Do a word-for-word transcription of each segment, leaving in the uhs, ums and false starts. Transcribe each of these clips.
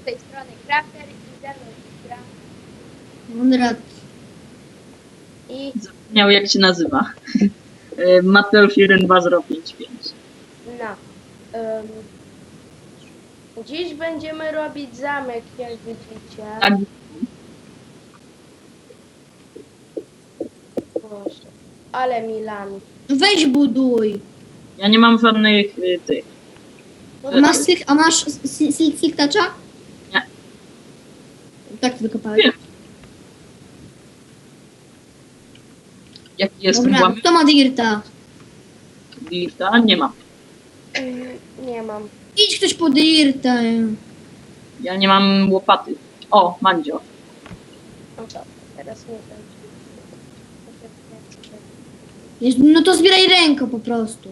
tej strony Crafter i ze mną jest gra. Konrad. I Zapomniał jak się nazywa. Mateusz jeden dwa zero pięć pięć. no. Um, dziś będziemy robić zamek, jak widzicie. Tak, Boże, ale Milan. Weź buduj. ja nie mam żadnych y, tych. No A masz, syk, a masz silk toucha? Nie. Tak to wykopałeś. Nie. Jaki jest Dobra, łamy? kto ma dirta? Dirta? Nie mam. Mm, nie mam. Idź ktoś po dirta. Ja nie mam łopaty. O, Mandzio. No to teraz nie wiem. Jest- No to zbieraj ręką po prostu.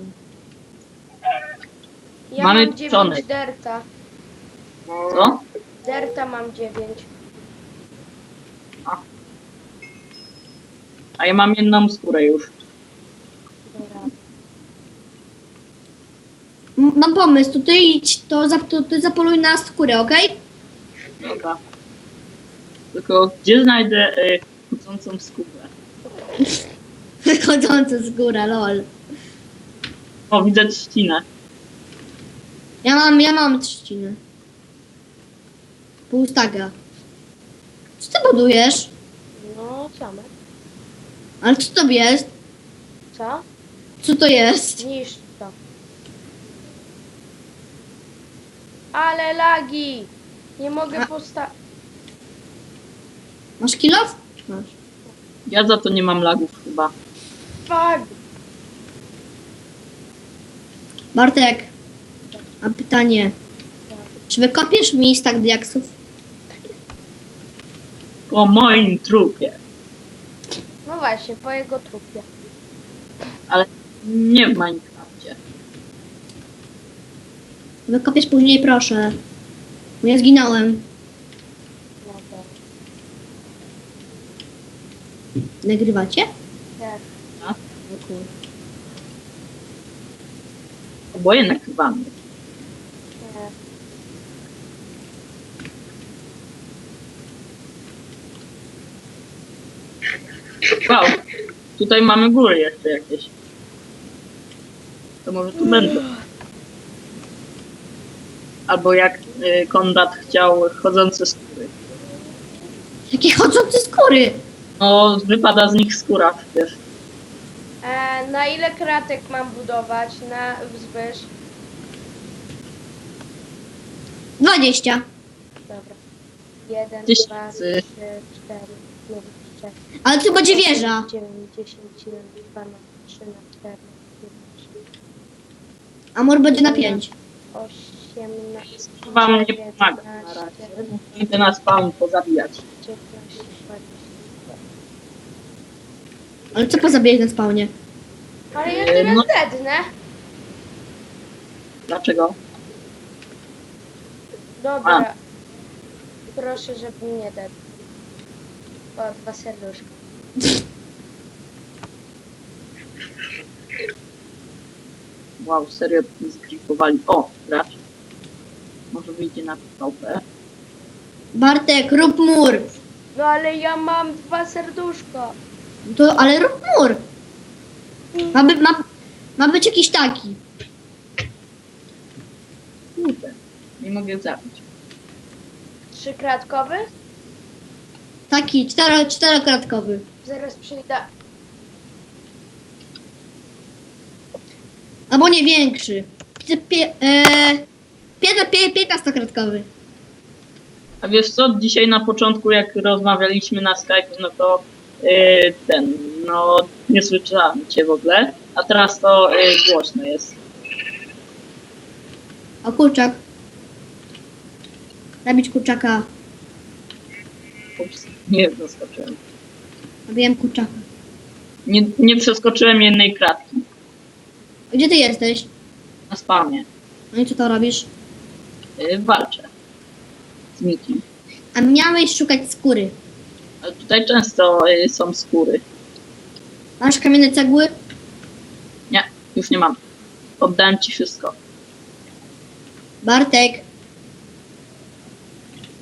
Ja Mamy mam czcionek. dziewięć derta. Co? Derta mam dziewięć. A ja mam jedną skórę już. Dobra. M- Mam pomysł, to ty idź, to, za, to ty zapoluj na skórę, okej? Dobra. Tylko gdzie znajdę y, chodzącą skórę? Wychodząca z góra, lol. O, widzę trzcinę. Ja mam, ja mam trzcinę. Pół staga. Co ty budujesz? No, same. Ale co to jest? Co? Co to jest? Niż to. Ale lagi! Nie mogę A- postawić. Masz kilof? Masz. Ja za to nie mam lagów chyba. Fuck! Bartek, mam pytanie. Czy wykopiesz mi stak diaksów? Po moim trupie. No właśnie, po jego trupie. Ale nie w Minecrafcie. Wykopiesz później, proszę. Bo ja zginąłem. No to. Nagrywacie? Tak. O kur- Oboje nakrywamy. tak. Wow. Tutaj mamy góry jeszcze jakieś. To może tu będą. Albo jak y, Konrad chciał chodzące skóry. Jakie chodzące skóry! No, wypada z nich skóra przecież. E, na ile kratek mam budować? Na wzwyż? dwadzieścia. Dobra. Jeden, Tysięcy. dwa, trzy, cztery, pięć, sześć, Ale to będzie wieża. dziewięć, dziesięć, jedenaście, dwanaście, trzynaście, czternaście, piętnaście, Amor będzie na pięć. osiemnaście, Wam nie pomaga na razie. Idę na spawn pozabijać. dziewiętnaście, dwadzieścia. Ale co pozabijać na spawnie? Ale ja E, teraz no- dednę. Dlaczego? Dobra. Proszę, żeby mnie dedł. O, dwa serduszka. Wow, serio zgripowali. O, gracz. Może wyjdzie na P V P. Bartek, rób mur. No ale ja mam dwa serduszka. To, ale rób mur. Ma, by, ma, ma być jakiś taki. Kurde, nie mogę zabić. Trzykratkowy? Taki, cztero, czterokratkowy. Zaraz przyjdę. Albo nie większy. Pie, pie, e, piętna- pie, piętnastokratkowy. A wiesz co, dzisiaj na początku jak rozmawialiśmy na Skype, no to yy, ten, no nie słyszałem cię w ogóle, a teraz to yy, głośno jest. O, kurczak. Zabić kurczaka. Ups, nie zaskoczyłem. Zabiłem kurczaka. Nie, nie przeskoczyłem jednej kratki Gdzie ty jesteś? na spawnie. No i co to robisz? Yy, walczę z nikim. A miałeś szukać skóry. Ale tutaj często yy, są skóry. Masz kamienne cegły? Nie, już nie mam. Oddałem ci wszystko. Bartek.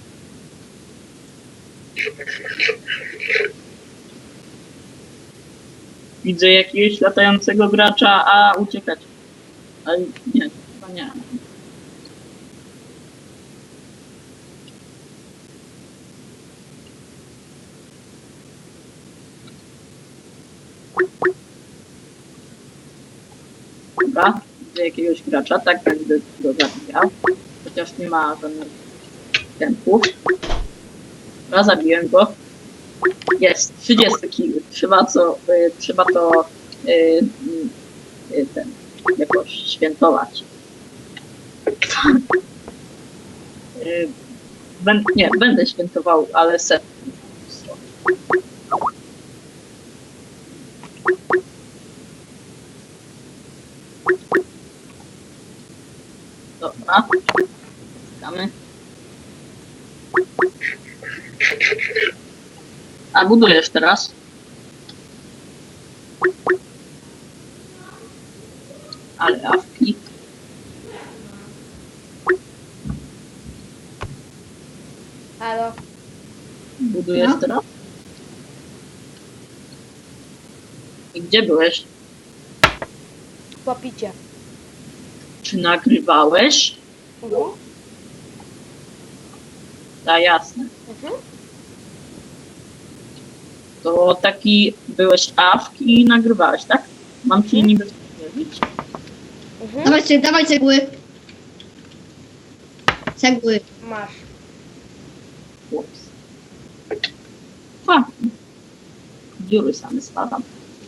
Widzę jakiegoś latającego gracza, a uciekać. Ale nie, chyba nie. Dobra, widzę jakiegoś gracza, tak będę go zabijał. Chociaż nie ma żadnych tempów. Dobra, zabiłem go. Jest, trzydzieści kill. Trzeba co, y, trzeba to y, y, ten, jakoś świętować. y, ben, nie, będę świętował, ale set. Dobra. Czekamy. A budujesz teraz? Ale awki. Halo? Budujesz No. teraz? I gdzie byłeś? Popicie. Czy nagrywałeś? Mhm. Da, jasne. Mhm. To taki byłeś awki i nagrywałeś, tak? Mam ci niby powiedzieć. Mhm. Dawaj, ce- dawaj cegły. Cegły. Masz. Chłops. A, dziury same spadam.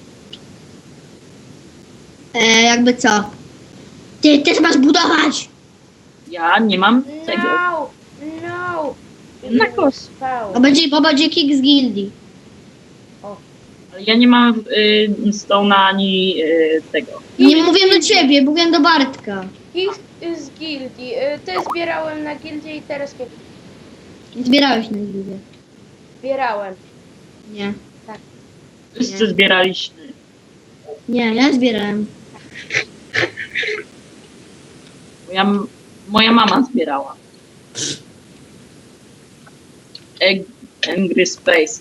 E, jakby co? Ty też masz budować! Ja nie mam tego. No! No! Na kos. Spał. Bo będzie, bo będzie kick z gildii. Ale ja nie mam y, Stone'a ani y, tego. Nie mówię do ciebie, mówię do Bartka. Ich z gildii. Y, Te zbierałem na gildię i teraz nie Nie zbierałeś na gildię. zbierałem. Nie. Wszyscy Nie. zbieraliśmy. Nie, ja zbierałem. Moja, moja mama zbierała. Egg, Angry Space.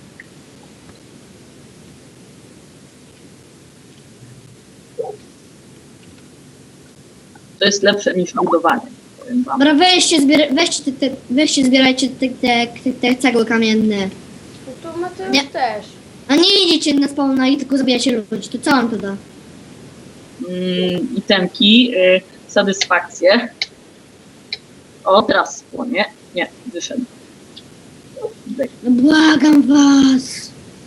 To jest lepsze niż budowanie, powiem wam. Dobra, weźcie, zbier- weźcie, te, te, weźcie zbierajcie te, te, te, te cegły kamienne. No to Mateusz Nie. też. A nie idziecie na spawna i tylko zabijacie ludzi. To co wam to da? Mm, itemki, y, satysfakcję. O, teraz spłonie. Nie, wyszedł. Zdech. No błagam was!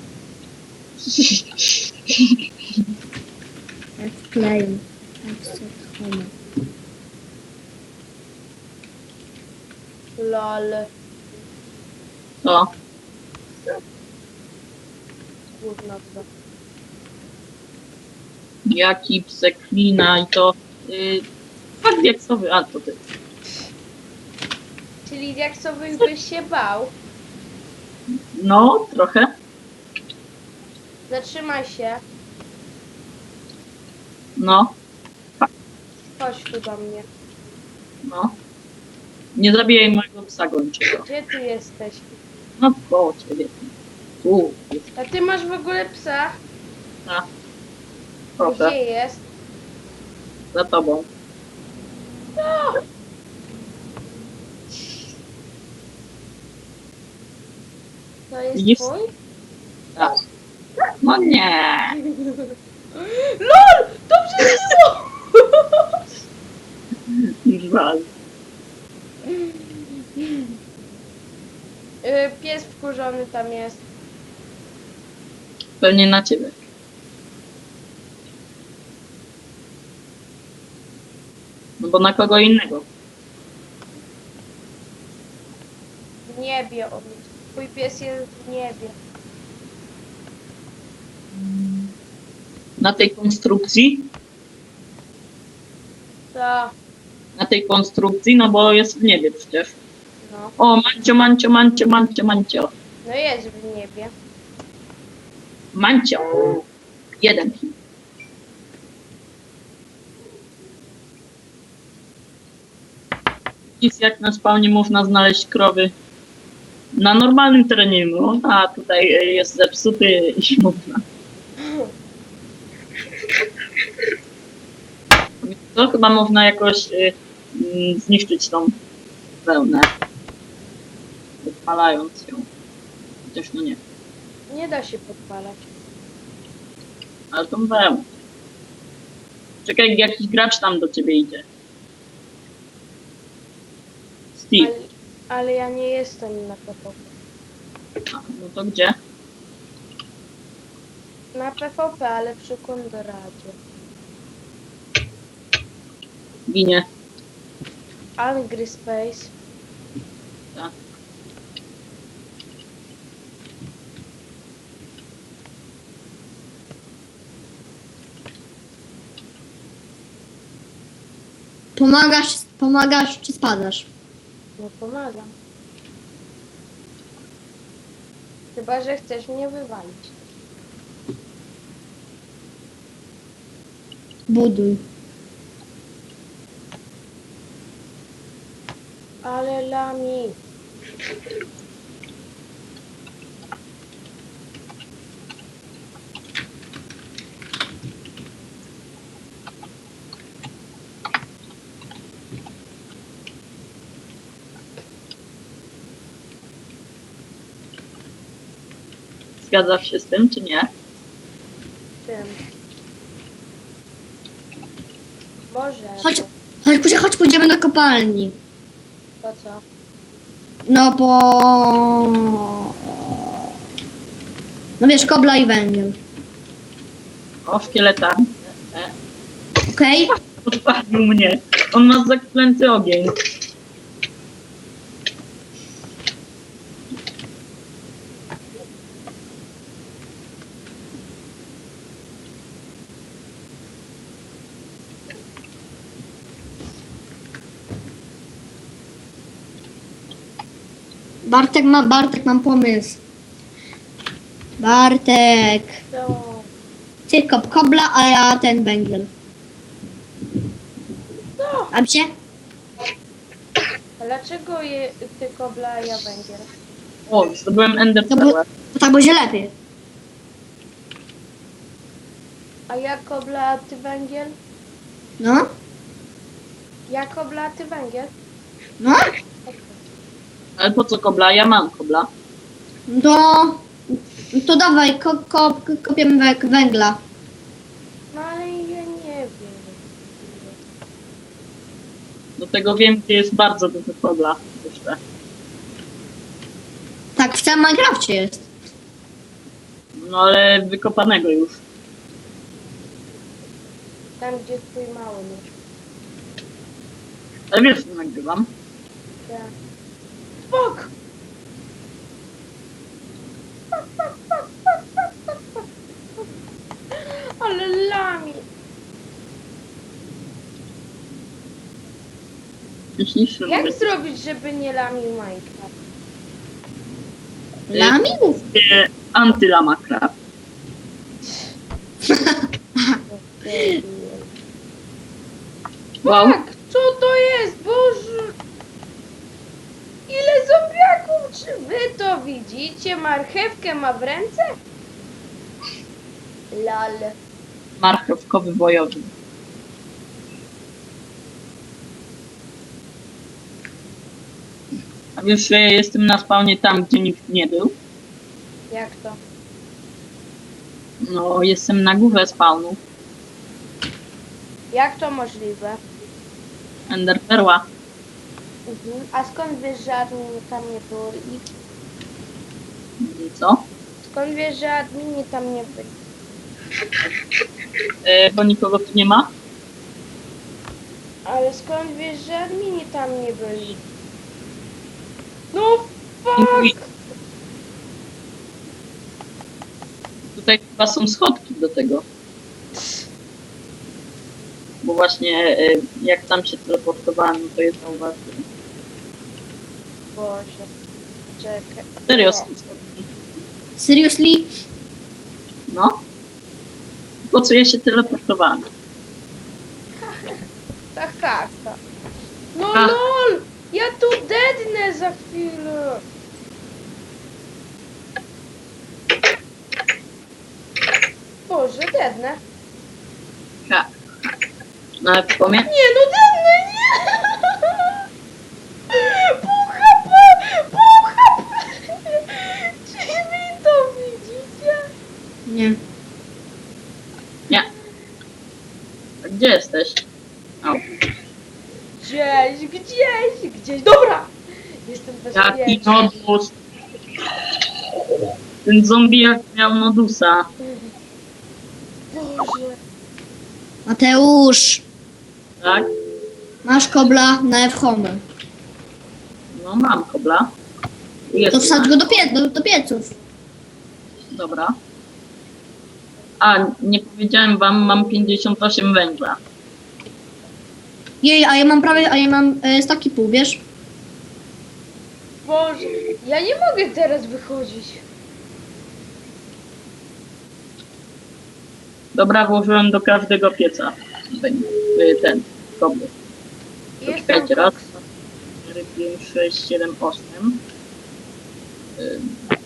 Jak wkleję. Lol. Co? Gówno to. Jaki pseklina i to... Y, fakt diaksowy, a to ty. Czyli jak sobie byś się bał, No, trochę. zatrzymaj się, No, chodź tu do mnie. no. Nie zabijaj mojego psa gończego. Gdzie ty jesteś? No, koło ciebie. Tu, jest A ty masz w ogóle psa? ta. Proszę, Gdzie jest? za tobą. No! To jest Widzisz? twój? Tak. No nie. LOL! Dobrze było! Żal. Y, Pies wkurzony tam jest. Pewnie na ciebie. No bo na kogo innego. W niebie on jest. Twój pies jest w niebie. Na tej konstrukcji? Co? Na tej konstrukcji, no bo jest w niebie przecież. No. O, mancio, mancio, mancio, mancio, mancio. No jest w niebie. Mancio. Jeden hit. Jest jak na spawnie można znaleźć krowy. Na normalnym terenie nie można, a tutaj jest zepsuty i można. To chyba można jakoś y, y, zniszczyć tą wełnę, podpalając ją. Chociaż no nie, Nie da się podpalać. ale tą wełnę. Czekaj, jakiś gracz tam do ciebie idzie. Steve. Ale, ale ja nie jestem na P V P. A, no to gdzie? Na P V P, ale przy Kondoradzie. Ginie. Angry Space. Tak. Pomagasz, pomagasz czy spadasz? No pomagam. Chyba, że chcesz mnie wywalić. Buduj. Ale lami. Zgadzasz się z tym, czy nie? Tym. Może. Chodź, chodź, chodź, chodź pójdziemy do kopalni. To co? No bo... No wiesz, kobla i węgiel. O, szkieleta. E, Okej? podpalił mnie. On ma zaklęty ogień. Bartek ma, Bartek mam pomysł. Bartek. To... Ty kop kobla, a ja ten węgiel. No. A się? A dlaczego je, ty kobla, a ja węgiel? O, zdobyłem ender To, bo, pearl. to tak będzie lepiej. A ja kobla, a ty węgiel? No? Ja kobla, a ty węgiel? No? Ale po co kobla? Ja mam kobla. To... To dawaj, ko, ko, kopiemy wę- węgla. No ale ja nie wiem. Do tego wiem, gdzie jest bardzo dużo kobla. Jeszcze. Tak, w całym Minecrafcie jest. No ale wykopanego już. Tam, gdzie twój mały nóż. Ale wiesz, co nagrywam. Tak. Bok! Ale lami. Myślisz, że Jak zrobić, żeby nie lamił Minecraft? Lamił? będzie antylamakra. Wow. Tak, co to jest? Boże! Ile zombiaków! Czy wy to widzicie? Marchewkę ma w ręce? Lal. Marchewkowy bojowy. A wiesz, że ja jestem na spawnie tam, gdzie nikt nie był? Jak to? No, jestem na górze spawnu. Jak to możliwe? Ender perła. Mhm. A skąd wiesz, że admini tam nie było ich? I co? Skąd wiesz, że admini tam nie byli? E, bo nikogo tu nie ma? Ale skąd wiesz, że admini tam nie byli? No fuck! Tutaj chyba są schodki do tego. Bo właśnie e, jak tam się teleportowałem, no to je zauważyłem. Boże. Czekaj. Serio Nie. są schodki. Seriously? No. Po co ja się teleportowałem? Ta haka. No A. lol! Ja tu dednę za chwilę. dednę. Tak. No ale pomie... Nie, no dednę, nie! Pół H P! Pół H P! Czy wy to widzicie? Nie. Nie. A gdzie jesteś? O. Gdzieś, gdzieś, gdzieś. Dobra! Jestem Jaki bezpieczny. nodus? Ten zombie jak miał nodusa. Boże. Mateusz, Tak? masz kobla na F-home. No mam kobla. To Jest. wsadź go do, pie do, do pieców. Dobra. A, nie powiedziałem wam, mam pięćdziesiąt osiem węgla. Jej, a ja mam prawie, a ja mam e, staki pół, wiesz? Boże. Ja nie mogę teraz wychodzić. Dobra, włożyłem do każdego pieca. Węgiel. Y, Ten, kobry. Jestem Czekajcie, raz, koksa. dwa, cztery, pięć, sześć, siedem, osiem. Y,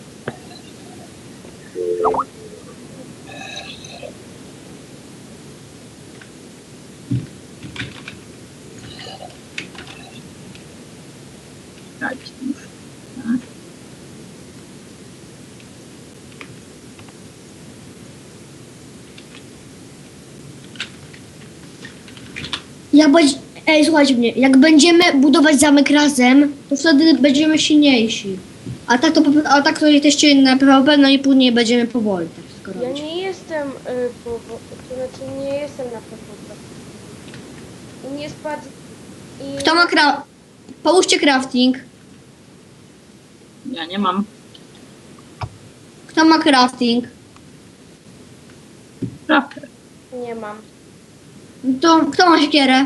Czekajcie już. Tak. Jak będzie, ej, słuchajcie mnie, jak będziemy budować zamek razem, to wtedy będziemy silniejsi. A tak to, po- a tak to jesteście na P V P, no i później będziemy powoli tak wszystko Ja robić. nie jestem, y, po, po, to znaczy nie jestem na P V P. I nie spadł... I... Kto ma cra... Połóżcie crafting. Ja nie mam. Kto ma crafting? Prawdę. Nie mam. To kto ma siekierę?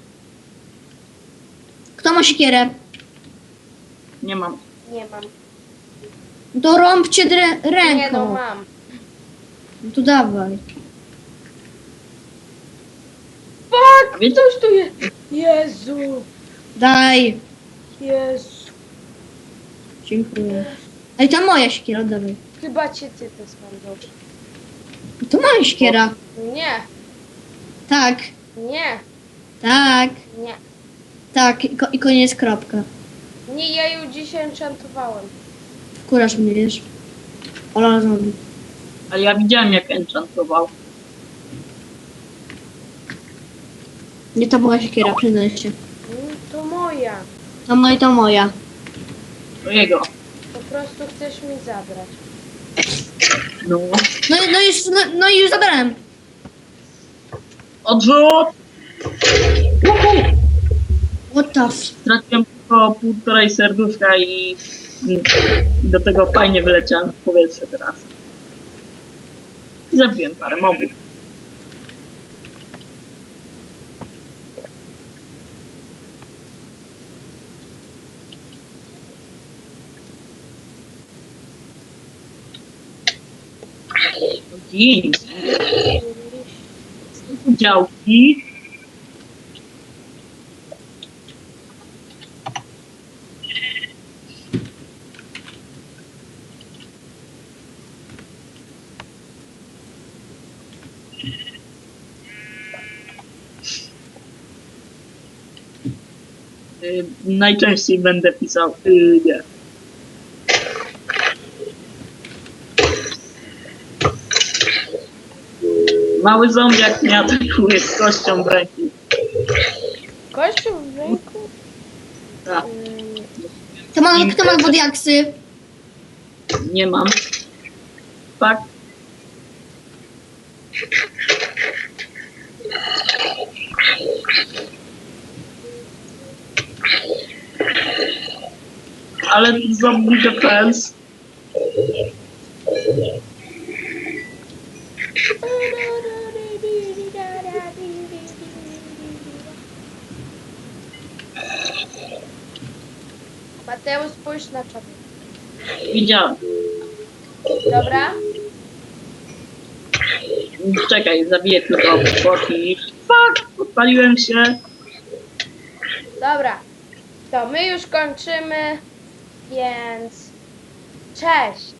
Kto ma siekierę? Nie mam. Nie mam. To rąbcie drę- ręką. Nie no, mam. No to dawaj. Fuck! A wiecie- Ktoś tu jest! Jezu! Daj. Jezu! Dziękuję. Ej, to moja siekiera, dawaj. Chyba cię ty to spędzą. To moja siekiera. Nie, Tak, nie, tak, nie. tak. I, ko- i koniec, kropka. Nie, ja ją dzisiaj enchantowałem. Wkurasz mnie, wiesz. Ola zombie. Ale ja widziałem jak enchantował. Nie to moja siekiera, przyznaj się. Mm, To moja. To moja, to moja. To jego. Po prostu chcesz mi zabrać. No. No, i- no, już, no, no i już zabrałem. Odrzut! What the f... Straciłem tylko półtorej serduszka i i do tego fajnie wyleciałem w powietrze teraz. I zabiłem parę mobów. Gin. Działki. Y, najczęściej będę pisał y, nie. Mały zombiak mnie atakuje z kością w ręku. Kościół w ręku? Tak, Mm, Kto ma, kto ma wodiaksy? nie mam. Tak. Ale zombie defense. Mateusz, spójrz na czat. Widziałem. Dobra? Czekaj, zabiję tylko boki. Fuck! Podpaliłem się. Dobra. To my już kończymy, więc cześć.